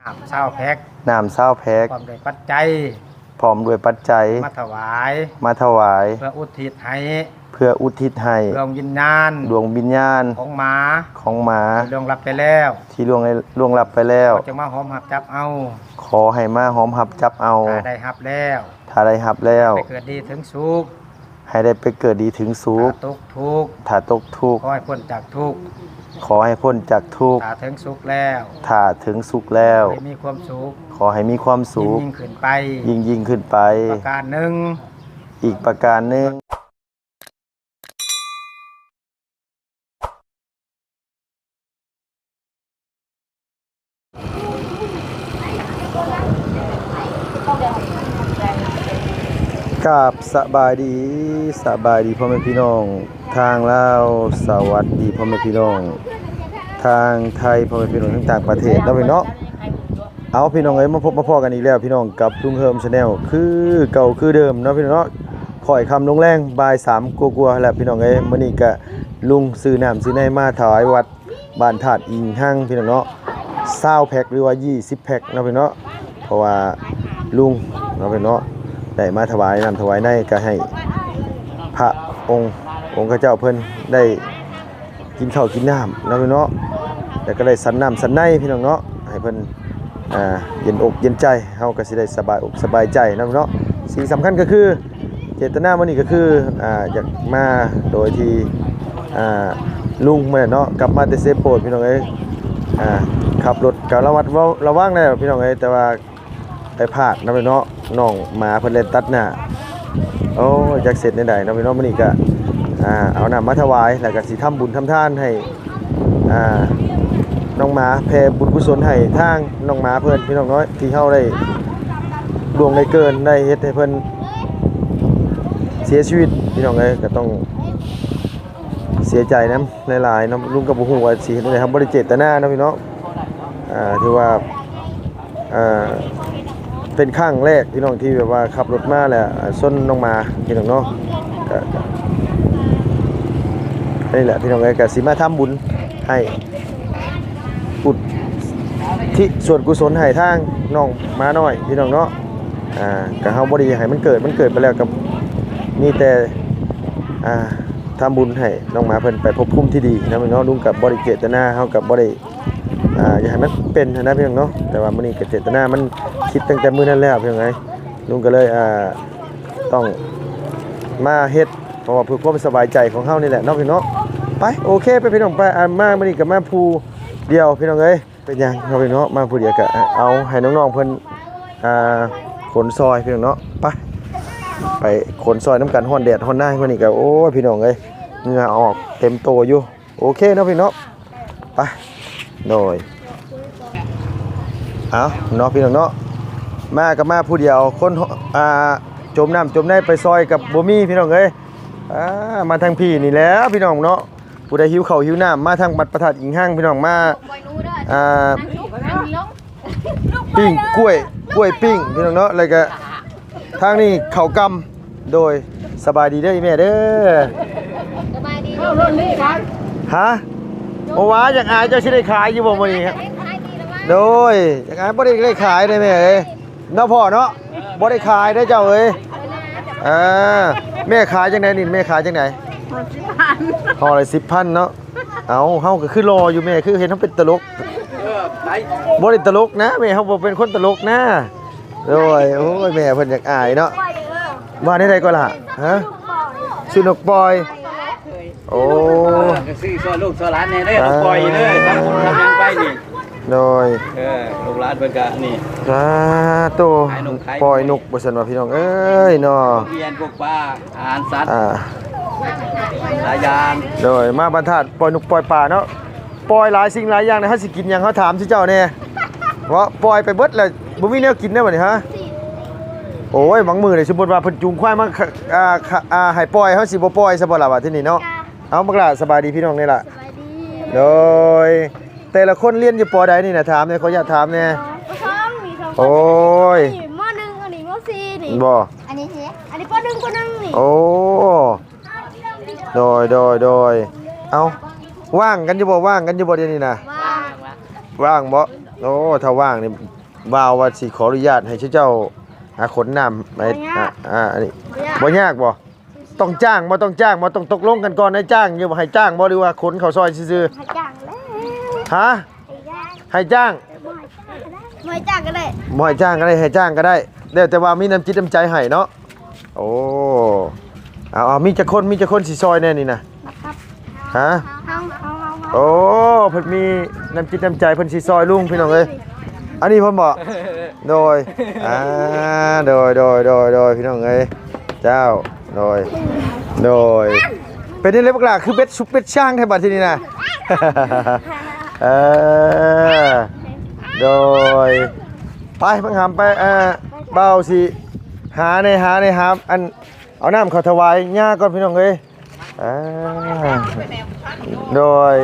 น้ำ20 แพ็คน้ำ20 แพ็คพร้อมด้วยปัจจัยพร้อมด้วยปัจจัยมาถวาย เพื่ออุทิศให้ดวงวิญญาณของหมาที่ล่วงลับไปแล้วขอจะมาหอมหับจับเอาขอให้มาหอมหับจับเอาถ้าได้หับแล้วไปเกิดดีถึงสุขให้ได้ไปเกิดดีถึงสุขถ้าตกทุกข์ขอให้พ้นจากทุกข์ถ้าถึงสุขแล้วให้มีความสุขขอให้มีความสุขยิ่งขึ้นไปประการหนึ่งอีกประการหนึ่งกับสบายดีพ่อแม่พี่น้องทางลาวสวัสดีพ่อแม่พี่น้องทางไทยพ่อแม่พี่น้องต่างประเทศแล้วพี่น้องเอาพี่น้องเอ้ยมาพบมาพ้อกันอีกแล้วพี่น้องกับลุงเฮิมชาแนลคือเก่าคือเดิมเนาะพี่น้องเนาะข่อยคำลงแรงบ่าย3กลัวๆแล้วพี่น้องเอ้ยมื้อนี้ก็ลุงซื้อน้ำซื้อในมาถวายวัดบ้านธาตุอิงหั่งพี่น้องเนาะ20 แพ็คหรือว่า20 แพ็คเนาะพี่น้องเพราะว่าลุงเนาะพี่น้องได้มาถวายน้ำถวายในก็ให้พระองค์ข้าเจ้าเพิ่นได้กินข้าวกินน้ำเนาะพี่น้องแล้วก็ได้สันน้ำสันในพี่น้องเนาะให้เพิ่นเย็นอกเย็นใจเฮาก็สิได้สบายอกสบายใจเนาะพี่น้องสิ่งสำคัญก็คือเจตนามื้อนี้ก็คืออยากมาโดยที่ลุงมื้อเนาะกลับมาแต่เซโปดพี่น้องเอ้ยขับรถก็ระวังแล้วพี่น้องเอ้ยแต่ว่าไปพลาดนะพี่น้องน้องหมาเพิ่นเล่นตัดหน้าโอ้จักเสร็จได้นะพี่น้องมื้อนี้ก็เอาน้ำมาถวายแล้วก็สิทำบุญทำทานให้น้องหมาแผ่บุญกุศลให้ทางน้องหมาเพิ่นพี่น้องน้อยที่เฮาได้ดวงได้เกินได้เฮ็ดให้เพิ่นเสียชีวิตพี่น้องเอ้ยก็ต้องเสียใจนำหลายๆเนาะลุงก็บ่ฮู้ว่าสิเฮ็ดได้ครับบ่ได้เจตนาเนาะพี่น้องถือว่าเป็นครั้งแรกพี่น้องที่แบบว่าขับรถมาแล้วส้นน้องหมาพี่น้องเนาะก็นี่แหละพี่น้องเอ้ยก็สิมาทำบุญให้อุทิศส่วนกุศลให้ทางน้องหมาน้อยพี่น้องเนาะก็เฮาบ่ได้ให้มันเกิดไปแล้วก็มีแต่ทำบุญให้น้องหมาเพิ่นไปพบภูมิที่ดีนะพี่น้องลุงกับบ่ได้เจตนาเฮากับบ่ได้อยากให้มันเป็นนะพี่น้องเนาะแต่ว่ามื้อนี้ก็เจตนามันคิดตั้งแต่มื้อนั้นแล้วพี่น้องเอ้ยลุงก็เลยต้องมาเฮ็ดเพราะว่าเพื่อความสบายใจของเฮานี่แหละเนาะพี่น้องไปโอเคไปพี่น้องไปมามื้อนี้ก็มาผู้เดียวพี่น้องเอ้ยเป็นหยังเนาะพี่น้องมาผู้เดียวก็เอาให้น้องๆเพิ่นขนซอยพี่น้องเนาะไปขนซอยน้ำกันฮ้อนแดดฮ้อนหน้ามื้อนี้ก็โอ้ยพี่น้องเอ้ยเหงื่อออกเต็มโตอยู่โอเคเนาะพี่น้องไปโดยเอาเนาะพี่น้องเนาะมากับมาผู้เดียวคนจมน้ำจมในไปซอยกับบ่มีพี่น้องเอ้ยมาทางพี่นี่แล้วพี่น้องเนาะผู้ใดหิวข้าวหิวน้ำมาทางบัดประทัดอิงห้างพี่น้องมาปิ้งกล้วยปิ้งพี่น้องเนาะแล้วก็ทางนี้ข้าวกำโดยสบายดีเด้อแม่เด้อสบายดีฮะโอ้ว้าอยากอายเจ้าสิได้ขายอยู่บ่มื้อนี้ครับโดยอยากอายบ่ได้ขายได้แม่เอ้ยเนาะพ่อเนาะบ่ได้ขายได้เจ้าเอ้ยแม่ขายจังได๋นี่แม่ขายจังได๋10,000ห่อละ10,000เนาะเอาเฮาก็คือรออยู่แม่คือเห็นเฮาเป็นตลกบ่ได้ตลกนะแม่เฮาบ่เป็นคนตลกนะโดยโอ้ยแม่เพิ่นอยากอายเนาะว่าได้ก็ล่ะฮะชื่อนกปอยโอ้ซื้อซอยลูกซอยหลานแน่เด้อปล่อยเด้อทำยังไปนี่โดยลูกหลานเพิ่นก็นี่โตปล่อยนกบ่ซั่นว่าพี่น้องเอ้ยเนาะเรียนพวกปลาอาหารสัตว์หลายอย่างโดยมาบรรทัดปล่อยนกปล่อยปลาเนาะปล่อยหลายสิ่งหลายอย่างนะเฮาสิกินหยังเฮาถามสิเจ้าแน่ว่าปล่อยไปเบิดแล้วบ่มีแนวกินได้บ่นี่ฮะโอ้ยบางมื้อนี่สมมุติว่าเพิ่นจูงควายมาให้ปล่อยเฮาสิบ่ปล่อยซะบ่ล่ะว่าที่นี่เนาะเอาบักล่ะสบายดีพี่น้องนี่ล่ะสบายดีโดยแต่ละคนเรียนอยู่ป.ใดนี่นะถามเนี่ยขออยากถามเนี่ยโอ้ยม.1อันนี้ม.4นี่บ่อันนี้ป.1นี่โอ้โดยเอาว่างกันอยู่บ่เดี๋ยวนี้นะว่างบ่โอ้ถ้าว่างนี่บ่าวว่าสิขออนุญาตให้เจ้าขนน้ำไปอันนี้บ่ยากบ่ต้องจ้างบ่ต้องจ้างบ่ต้องตกลงกันก่อนให้จ้างอยู่บ่ให้จ้างบ่หรือว่าขนเข้าซอยซื่อให้จ้างแล้วๆฮะให้จ้างไม่จ้างก็ได้บ่ให้จ้างก็ได้ให้จ้างก็ได้แล้วแต่ว่ามีน้ำจิตน้ำใจให้เนาะโอ้เอามีจักคนสิซอยแน่นี่นะนะครับฮะเอาโอ้เพิ่นมีน้ำจิตน้ำใจเพิ่นสิซอยลุงพี่น้องเอ้ยอันนี้เพิ่นบอกโดยโดยพี่น้องเอ้ยเจ้าโดยเป็นนี่เลยบักล่ะคือเบ็ดซุปเบ็ดช่างแท้บัดทีนี้นะโดยไปเพิ่งหำไปเบาสิหาในอันเอาน้ำเขาถวายย่าก่อนพี่น้องเอ้ยโดย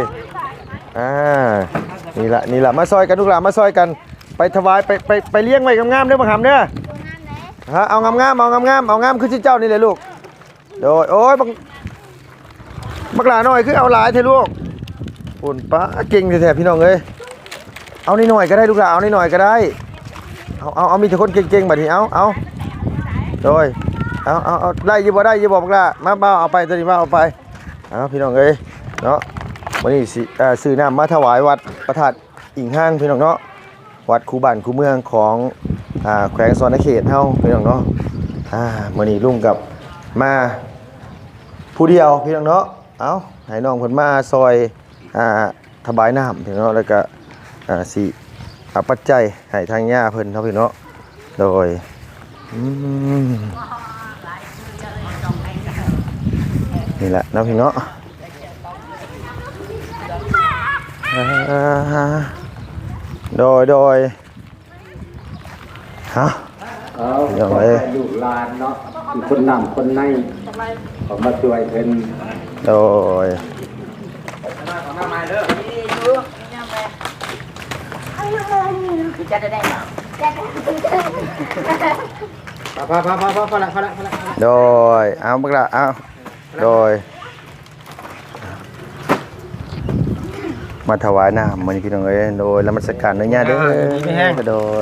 นี่ละมาซอยกันลูกหลานมาซอยกันไปถวายไปเลี้ยงไว้งามๆเด้อบังหำเด้อฮะเอางามคือเจ้านี่เลยลูกโดยโอ้ยบักหลาหน่อยคือเอาหลายเถอะลูกปุ่นป้าเก่งแท้ๆพี่น้องเอ้ยเอานิดหน่อยก็ได้ลูกหลานเอานิดหน่อยก็ได้เอามีแต่คนเก่งๆแบบนี้เอาโดยเอาได้ยี่บ่บักหลามาเบาเอาไปตัวนี้เบาเอาไปพี่น้องเอ้ยเนาะวันนี้ซื้อน้ำมาถวายวัดพระธาตุอิงห้างพี่น้องเนาะวัดคูบ้านคูเมืองของแขวงสวรรณเขตเฮาพี่น้องเนาะวันนี้ลุงกับมาผู้เดียวพี่น้องเนาะเอาให้น้องเพิ่นมาซอยถวายน้ำพี่น้องเนาะแล้วก็สิปัจจัยให้ทางย่าเพิ่นเนาะพี่น้องโดยนี่แหละเนาะพี่น้องโดยฮะอย่างไรอยู่ลานเนาะคนนำคนในผมมาช่วยเพิ่นโดยจะได้เหรอพอละโดยเอาบักละเอาโดยมาถวายน้ำมันพี่น้องเอ้ยโดยแล้วมันสกัดเนื้อย่างเด้อโดย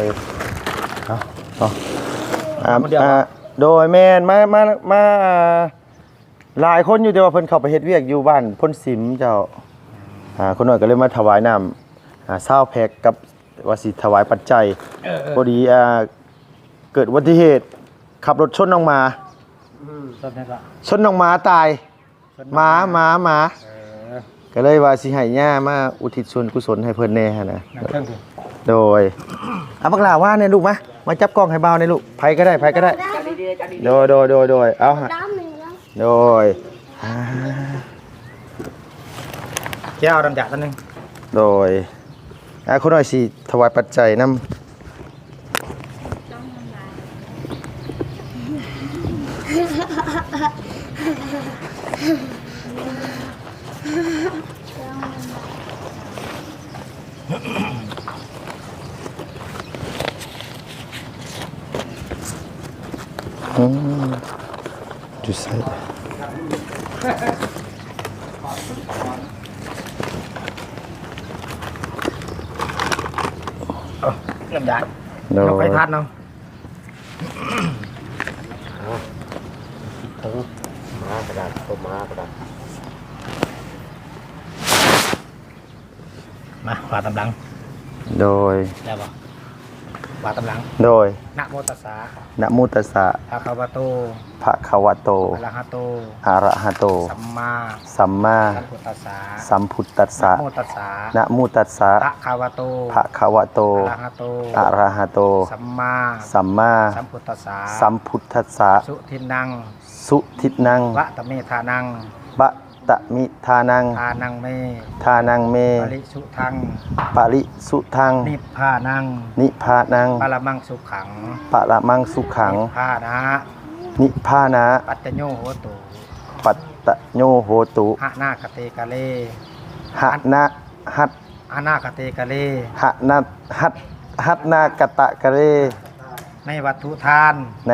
โดยแม่นมาหลายคนอยู่แต่ว่าเพิ่นเข้าไปเฮ็ดเวียกอยู่บ้านพ้นสิมเจ้าคนหน่อยก็เลยมาถวายน้ำ20แพ็คกับว่าสิถวายปัจจัยพอดีเกิดอุบัติเหตุขับรถชนน้องหมาชนน้องหมาตายหมาก็เลยว่าสิให้ย่ามาอุทิศส่วนกุศลให้เพิ่นแน่นะโดยบักหลาว่าเนี่ยลูกมาจับกล้องให้เบาเนี่ยลูกไผก็ได้โดยเอาฮะโดยแก้วดำจัดตัวนึงโดยคนหน่อยสิถวายปัจจัยนำดูใส่ดำจัดเราไปทัดเนาะมากระดาษต้มมากระดาษมาขวาตำลังโดยได้ป่ะขวาตำลังโดยนะโมตัสสะนะโมตัสสะภะคะวะโตอะระหะโตสัมมาสัมพุทธัสสะนะโมตัสสะภะคะวะโตอะระหะโตสัมมาสัมพุทธัสสะสุทินังวะตะเมธานังทานังเมปริสุทังนิพพานังปรมังสุขังนิพพานะปัตตโยโหตุหะนาคเตกะเลหันากเตกะเลหัตนากตะกะเลในวัตถุทาน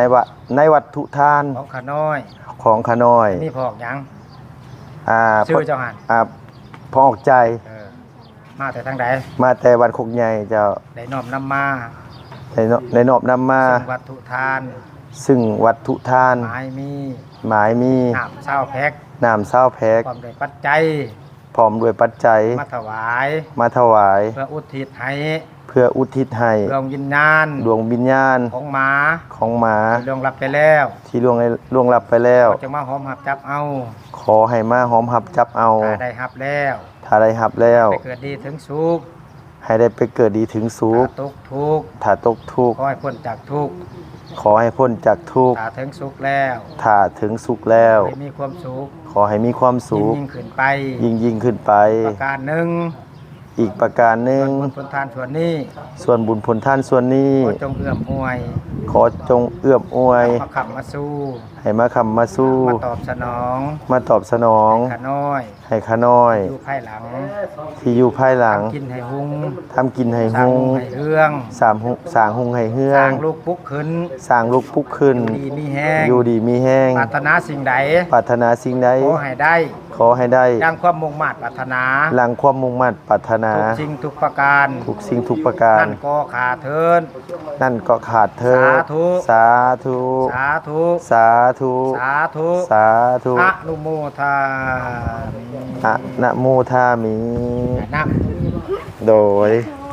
ของขน้อยนี่พอกยังชื่อเจ้าหันพอออกใจมมาแต่ทางใดมาแต่วันคกใหญ่เจ้าได้น้อมนำมาได้นอบนำมาซึ่งวัตถุทานซึ่งวัตถุทานหมายมีหมายมีน้ำเศร้าแพ็กน้ำเศร้าแพ็กความด้วยปัจจัยพร้อมด้วยปัจจัยมาถวายมาถวายเพื่ออุทิศให้เพื่ออุทิศให้ดวงวิญญาณดวงวิญญาณของหมาของหมาที่ล่วงลับไปแล้วที่ล่วงลับไปแล้วจะมาหอมหับจับเอาขอให้มาหอมหับจับเอาถ้าได้หับแล้วถ้าได้หับแล้วไปเกิดดีถึงสุขให้ได้ไปเกิดดีถึงสุขถ้าตกทุกข์ถ้าตกทุกข์ขอให้พ้นจากทุกข์ขอให้พ้นจากทุกข์ถ้าถึงสุขแล้วถ้าถึงสุขแล้วให้มีความสุขขอให้มีความสุขยิ่งขึ้นไปยิ่งขึ้นไปประการหนึ่งอีกประการหนึ่งผลทานส่วนนี้ส่วนบุญผลท่านส่วนนี้ขอจงเอื้อมอวยขอจงเอื้อมอวยมาขับมาสู้ให้มาคำมาสู้มาตอบสนองมาตอบสนองขาน้อยให้ข้าน้อยอยู่ภายหลังที่อยู่ภายหลังกินให้หุงทำกินให้สร้างหุงหุงให้เรื่องสร้างหุงให้เฮือสร้าง งลูกปุ๊กขึ้นสร้างลูกปุ๊กขึ้นดีมีแห้งอยู่ดีมีแห้งปรารถนาสิ่งใดปรารถนาสิ่งใดขอให้ได้ขอให้ได้ดังความมุ่งมั่นปรารถนาหลังความมุ่งมั่นปรารถนาทุกสิ่งทุกประการทุกสิ่งทุกประการนั่นก็ขาเทินนั่นก็ขาดเธอสาธุสาธุสาธุสาธุสาธุสาธุอนุโมทามิอะนะโมทามินะโดย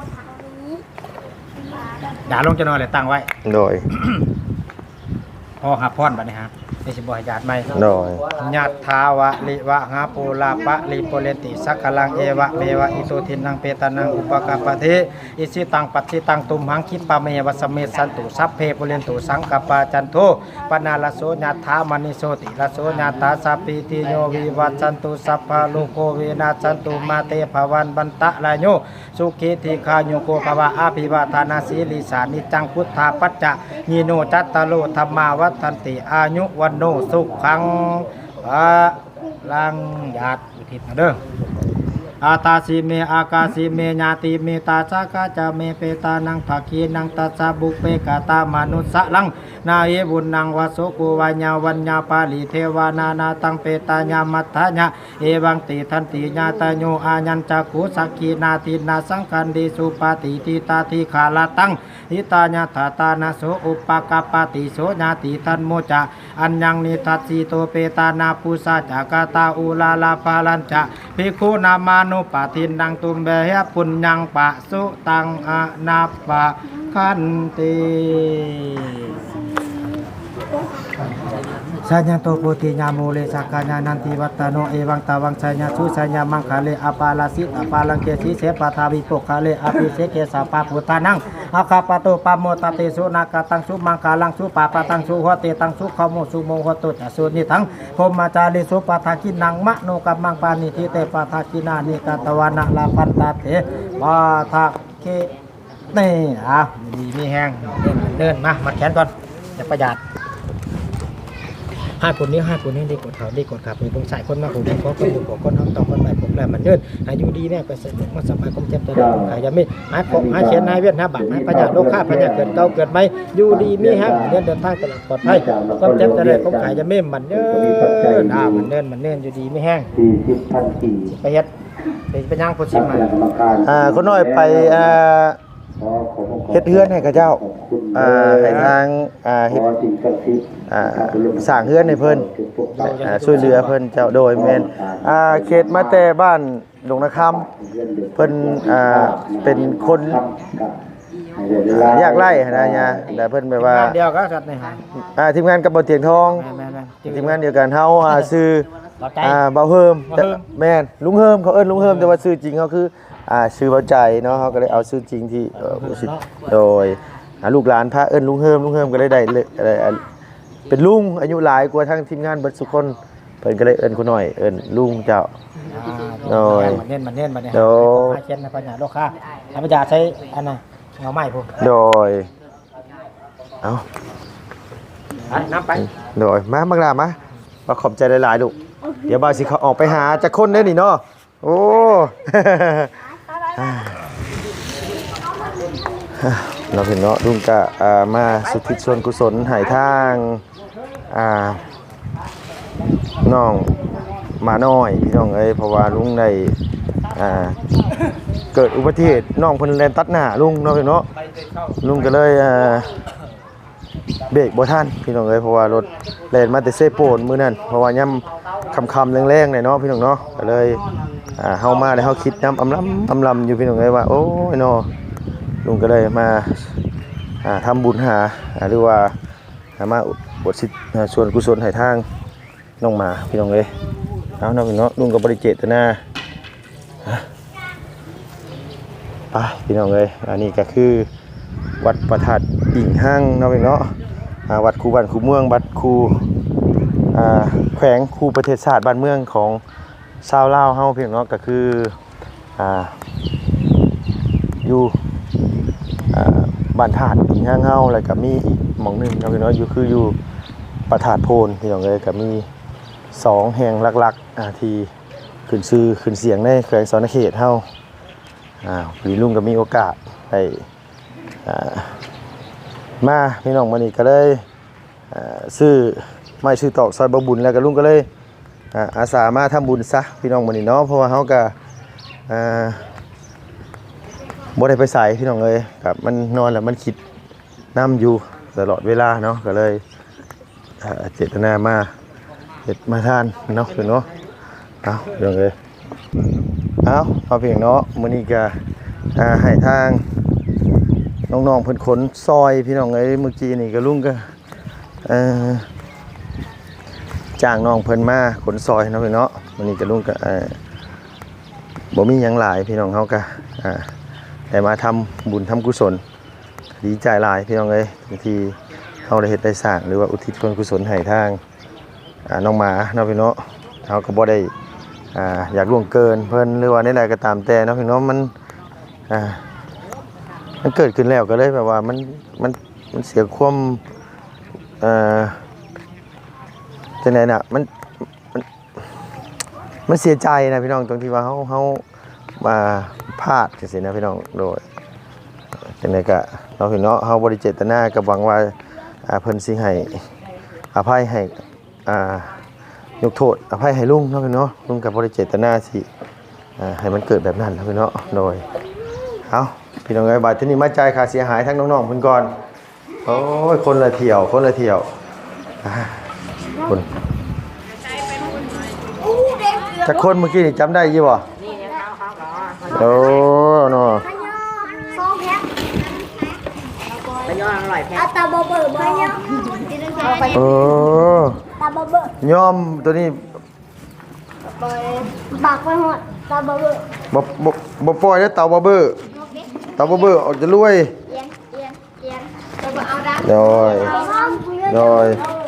อย่าลงจะนอนเลยตั้งไว้โดยพอหาพรบัดนี้ฮะนี่สิบ่ให้ญาติใหม่โดยยัตถาวะลิวะหาปูลาปะลิโปเลติสักกลังเอวะเมวะอิโตทินังเปตานังอุปกาปะเทอิสิตังปัจฉิตังตุมหังคิปะเมวะสเมสันตุสัพเพปุเรนตุสังกปาจันโทปนาลโสยัตถามณิโสติลโสยัตถาสัพพิติโยวิวัชชันตุสัพพะโลกโควินาศสันตุมาเตภวันบันตะลายโยสุขิธิคาโยโกภวะอาภิวาทานาสีลิสานิจังพุทธาปัจจะยีโนจัตตโลธรรมาวัฏันติอายุวันโนสุขังพระลังญาติอุทิศเด้ออาตาสีเมอากาสีเมญาติเมตาสากาจะเมเปตานังภาคีนังตัสสะบุเปกาตามนุสสะลังนาเยบุญนังวโสกุวัญญาวัญญาปาลิเทวานานาตังเปตาญามัทธะญะเอวังติทันติญาตโยอาญัญจักขุสักขีนาทินาสังคันดิสุปาติทิตาทิขาลาตังหิตาญาตตานาโสอุปกปปติโสญาติทันโมจะอัญญังนิทัสสิโตเปตานาปุสาจากาตาอุลาลาปาลัญจะภิกขุนามานุปะทินังตุมเบหะปุญญังปะสุตังอนาปะคันติสัญญาโตโพธิญาโมเลสักกญานันติวัตโนเอวังตาวังสัญญาสุสัญญามังคาเลอปาลาสิอปาลังเกสีเสปทาวิโปคาเลอภิเสเกสาปาพุทธานังอาคาปโตปโมตติสุนากตังสุมังคาลังสุปาปตังสุโหติตังสุขโมสุโมโหตุจสุนิทังพรหมจาริสุปทาคินังมะโนกัมมังปานิทิเตปทาคินานิกาตวานะลาปันตาเถปาทาเคนี่ดีมีแห้งเดินมามัดแขนก่อนจะประหยัด5 คนนี้ดีกดเขาดีกดขับมีตรงสายคนมาผมขอคนอยู่คนเอาต่อคนใหม่ผมแหละมันเดินอายุดีแน่ไปเสร็จมาสมัยคมเจ็บตัวขายยาไม่หายของหายเชียนหายเวียนหายบาดหายปัญญาโลค่าปัญญาเกิดเก่าเกิดไม่อยู่ดีมีฮะเดินทางตลอดปลอดภัยความเจ็บจะได้ผมขายยาไม่มันเดินมันเดินอยู่ดีไม่แห้งไปเฮ็ดไปย่างพุทธิมาคนน้อยไปเฮ็ดเฮือนให้กับเจ้าให้ทางเฮ็ดสร้างเฮือนให้เพิ่นช่วยเหลือเพิ่นเจ้าโดยแม่นเขตมาแต่บ้านดงนาคำเพิ่นเป็นคนยากไร่นะญาแต่เพิ่นแบบว่าเดียวก็จัดนี่ฮะทีมงานกับบ่เตียงทองทีมงานเดียวกันเฮาชื่อเบาเฮิมแม่นลุงเฮิมเขาเอิ้นลุงเฮิมแต่ว่าชื่อจริงเขาคือชื่อเบาใจเนาะเขาก็เลยเอาชื่อจริงที่ผู้สิทธิ์โดยลูกหลานพระเอิ้นลุงเฮิมก็เลยได้เป็นลุงอายุหลายกว่าทั้งทีมงานเบิดทุกคนเพิ่นก็เลยเอิ้นคนน้อยเอิ้นลุงเจ้าโดยมันเน้นบัดนี้โดยเขียนในปัญญาโลค่าปัญญาใช้อันน่ะเงาไม้พวกโดยเอาน้ำไปโดยมากลามาขอบใจหลายๆลูกเดี๋ยวบ่าวสิเขาออกไปหาจักคนได้นี่เนาะโอ้เราเห็นเนาะลุงกะมาสุทธิส่วนกุศลหายทางน้องมาน้อยพี่น้องเอ้ยเพราะว่าลุงได้เกิดอุบัติเหตุน้องเพิ่นแล่นตัดหน้าลุงเนาะพี่เนาะลุงก็เลยเบรกบ่ทันพี่น้องเอ้ยเพราะว่ารถแล่นมาแต่เซโปนมื้อนั้นเพราะว่ายามค่ำๆแรงๆหน่อยเนาะพี่น้องเนาะก็เลยเฮามาแล้วเฮาคิดนำอำลำอยู่พี่น้องเอ้ยว่าโอ้ยเนาะลุงก็เลยมาทำบุญหาหรือว่ามาบวชส่วนกุศลให้ทางน้องหมาพี่น้องเอ้ยเอาเนาะพี่น้องลุงก็บ่ได้เจตนาไปพี่น้องเอ้ยอันนี้ก็คือวัดประทัดดิ่งห้างเนาะพี่เนาะวัดคูบ้านคูเมืองวัดคูแขวงคูประเทศชาติบ้านเมืองของชาวลาวเฮาพี่น้องเนาะก็คืออยู่บ้านธาตุดิ่งห้างเฮาแล้วก็มีอีกหม่องนึงเนาะพี่เนาะอยู่คืออยู่ประทาดโพนพี่น้องเอ้ยก็มี2แห่งหลักๆที่ขึ้นชื่อขึ้นเสียงในแขวงสนเขตเฮาพี่ลุงก็มีโอกาสได้มาพี่น้องมื้อนี้ก็เลยซื้อไม้ซื้อตอกซอยบ่บุญแล้วก็ลุงก็เลยอาสามาทำบุญซะพี่น้องมื้อนี้เนาะเพราะว่าเฮาก็บ่ได้ไปไสพี่น้องเอ้ยกับมันนอนแล้วมันคิดน้ำอยู่ตลอดเวลาเนาะก็เลยเจตนามาเฮ็ดมาทานเนาะพี่น้องเอาพี่น้องเอ้ยเอาพอเพียงเนาะมื้อนี้ก็ให้ทางน้องๆเพิ่นขนซอยพี่น้องเอ้ยเมื่อกี้นี่ก็ลุงก็จ้างน้องเพิ่นมาขนซอยเนาะพี่เนาะมื้อนี้ก็ลุงก็บ่มีหยังหลายพี่น้องเฮาก็ได้มาทำบุญทำกุศลดีใจหลายพี่น้องเอ้ยบางทีเฮาได้เฮ็ดได้สร้างหรือว่าอุทิศส่วนกุศลให้ทางน้องหมาเนาะพี่เนาะเฮาก็บ่ได้อยากล่วงเกินเพิ่นหรือว่าใดๆก็ตามแต่เนาะพี่น้องมันเกิดขึ้นแล้วก็เลยแบบว่ามันเสียความจังได๋น่ะมันเสียใจนะพี่น้องตรงที่ว่าเฮามาพลาดจังซี่นะพี่น้องโดยจังได๋ก็เนาะพี่เนาะเฮาบ่ได้เจตนาก็หวังว่าเพิ่นสิให้อภัยให้ยกโทษอภัยให้ลุงเนาะพี่เนาะลุงก็บ่ได้เจตนาสิให้มันเกิดแบบนั้นนะพี่เนาะโดยเอาพี่น้องเอ้ยบาดทีนี้มาจ่ายค่าเสียหายทั้งน้องๆเพิ่นก่อนโอ้ยคนละเที่ยวคนจักคนเมื่อกี้นี่จำได้อยู่บ่โอ้เนาะ 2แพ็คไปย้อนอร่อยแพ้ตาบ่เบิ่บ่ยอมตาบ่เบิ่ยอมตัวนี้บากไปหอดตาบ่เบิ่บ่ปล่อยเด้อเต่าบ่เบ้อออกจะรวยเอียนตาบ่เอาดักโดย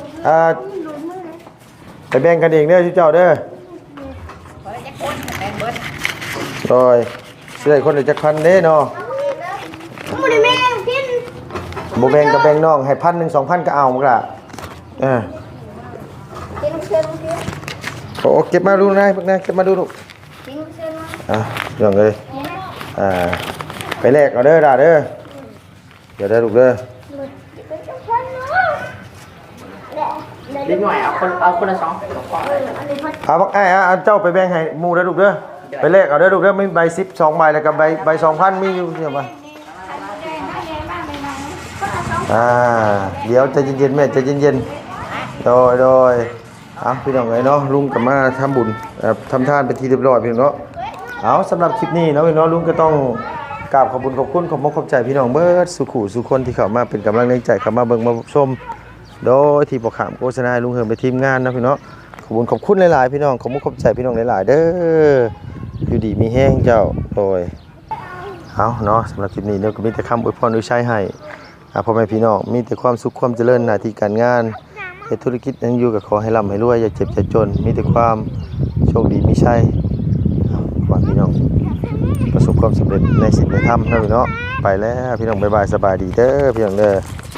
ไปแบ่งกันเองเด้อเจ้าเด้อโดยสิได้คนละจักพันเด้เนาะบ่ได้แม่กินบ่แบ่งก็แบ่งน้องให้1,000 2,000ก็เอาหมดล่ะกินเชิญกินโอ้เก็บมาดูนะพวกนั้นเก็บมาดูลูกกินเชิญมาอย่างเลยไปแลกเอาเด้อด่าเด้อเดี๋ยวได้ลูกเด้อนิดหน่อยเอาคนละ2 บักไอ้เจ้าไปแบ่งให้หมู่เด้อลูกเด้อไปแลกเอาเด้อลูกเด้อมีใบ10 2ใบแล้วก็ใบ 2,000 มีอยู่เดี๋ยวมาเดี๋ยวใจเย็นๆแม่ใจเย็นๆโดยพี่น้องเอ้ยเนาะลุงก็มาทำบุญทำทานเป็นที่เรียบร้อยพี่น้องเนาะเอาสำหรับคลิปนี้เนาะพี่น้องลุงก็ต้องกราบขอบคุณขอบคุณขอบใจพี่น้องเบิดสุขุสุคนที่เข้ามาเป็นกำลังใจเข้ามาเบิ่งมาชมโดยที่บ่ขามโฆษณาลุงเฮิมไปทีมงานนะพี่น้องขอบคุณหลายๆพี่น้องขอบใจพี่น้องหลายๆเด้ออยู่ดีมีแห้งเจ้าโดยเอาเนาะสำหรับคลิปนี้เนาะก็มีแต่คำอวยพรอวยชัยให้พ่อแม่พี่น้องมีแต่ความสุขความเจริญหน้าที่การงานธุรกิจยังอยู่กับขอให้ร่ำให้รวยอย่าเจ็บอย่าจนมีแต่ความโชคดีมีชัยขอพี่น้องประสบความสำเร็จในสิ่งที่ทำนะพี่น้องไปแล้วพี่น้องบ๊ายบายสบายดีเด้อพี่น้องเด้อ